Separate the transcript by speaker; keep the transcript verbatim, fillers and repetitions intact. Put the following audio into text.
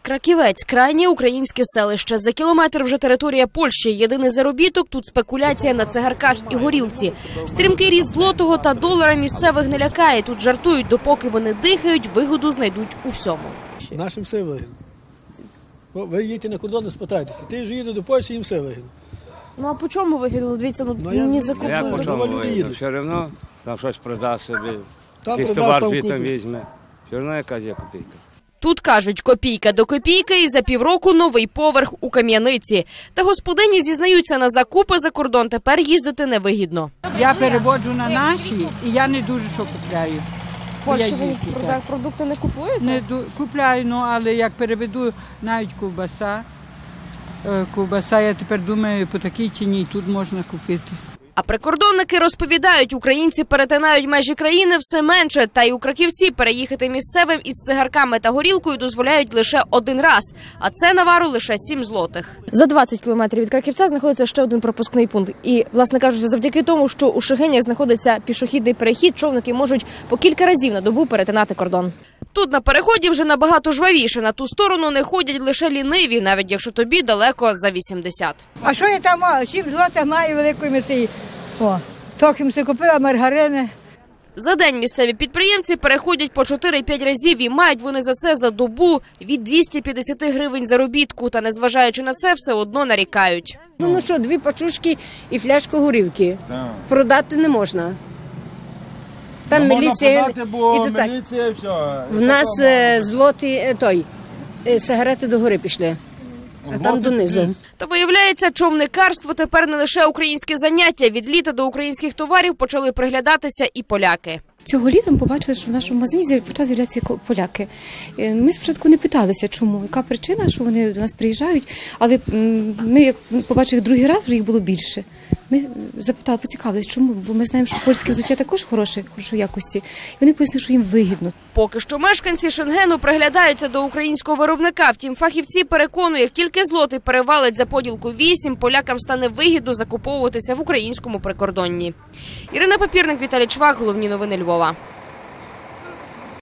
Speaker 1: Краківець – крайнє українське селище. За кілометр вже територія Польщі. Єдиний заробіток – тут спекуляція на цигарках і горілці. Стрімкий ріст злотого та долара місцевих не лякає. Тут жартують, допоки вони дихають, вигоду знайдуть у всьому.
Speaker 2: Нашим все вигідно. Ви їдете на кордон і спитайтеся. Ти ж їдеш до Польщі, їм все вигідно.
Speaker 1: Ну а по чому вигідно? Дивіться, ну,
Speaker 2: ну
Speaker 1: ні закупили.
Speaker 3: Як по чому вигідно? Все одно там щось продасть собі,
Speaker 2: Там
Speaker 3: якийсь
Speaker 2: продасть,
Speaker 3: товар
Speaker 2: там
Speaker 3: звідти
Speaker 2: купить.
Speaker 3: візьме. Все одно якась є копійка.
Speaker 1: Тут, кажуть, копійка до копійки і за півроку новий поверх у Кам'яниці. Та господині зізнаються, на закупи за кордон тепер їздити невигідно.
Speaker 4: Я переводжу на наші і я не дуже що купляю.
Speaker 1: В Польщі
Speaker 4: Я
Speaker 1: ви
Speaker 4: їжджу, так.
Speaker 1: продукти не купуєте?
Speaker 4: Не ду- купляю, ну, але як переведу навіть ковбаса, е, ковбаса, я тепер думаю, по такій ціні тут можна купити.
Speaker 1: А прикордонники розповідають, українці перетинають межі країни все менше. Та й у Краківці переїхати місцевим із цигарками та горілкою дозволяють лише один раз. А це навару лише сім злотих. За двадцять кілометрів від Краківця знаходиться ще один пропускний пункт. І, власне кажучи, завдяки тому, що у Шегинях знаходиться пішохідний перехід, човники можуть по кілька разів на добу перетинати кордон. Тут на переході вже набагато жвавіше. На ту сторону не ходять лише ліниві, навіть якщо тобі далеко за вісімдесят.
Speaker 5: А що я там маю? Сім злотих маю великої мети. О, трохи си купила маргарини.
Speaker 1: За день місцеві підприємці переходять по чотири-п'ять разів і мають вони за це за добу від двохсот п'ятдесят гривень заробітку. Та незважаючи на це, все одно нарікають.
Speaker 6: Ну, ну що, дві пачушки і фляжку горілки. Так. Продати не можна. Там
Speaker 7: не
Speaker 6: міліція.
Speaker 7: Можна продати, бо
Speaker 6: і то так.
Speaker 7: міліція, все.
Speaker 6: В нас е, злоті, е, той, е, сигарети догори пішли, а там донизу.
Speaker 1: Та виявляється, човникарство тепер не лише українське заняття. Від літа до українських товарів почали приглядатися і поляки.
Speaker 8: Цього літа ми побачили, що в нашому магазині почали з'являтися поляки. Ми спочатку не питалися, чому, яка причина, що вони до нас приїжджають, але ми, як побачили другий раз, вже їх було більше. Ми запитали, поцікавилися, чому, бо ми знаємо, що польське взуття також хороше, хорошої якості. І вони пояснили, що їм вигідно.
Speaker 1: Поки що мешканці Шенгену приглядаються до українського виробника. Втім, фахівці переконують, як тільки злотий перевалить за поділку вісім, полякам стане вигідно закуповуватися в українському прикордонні. Ірина Папірник, Віталій Чвак, головні новини Львова.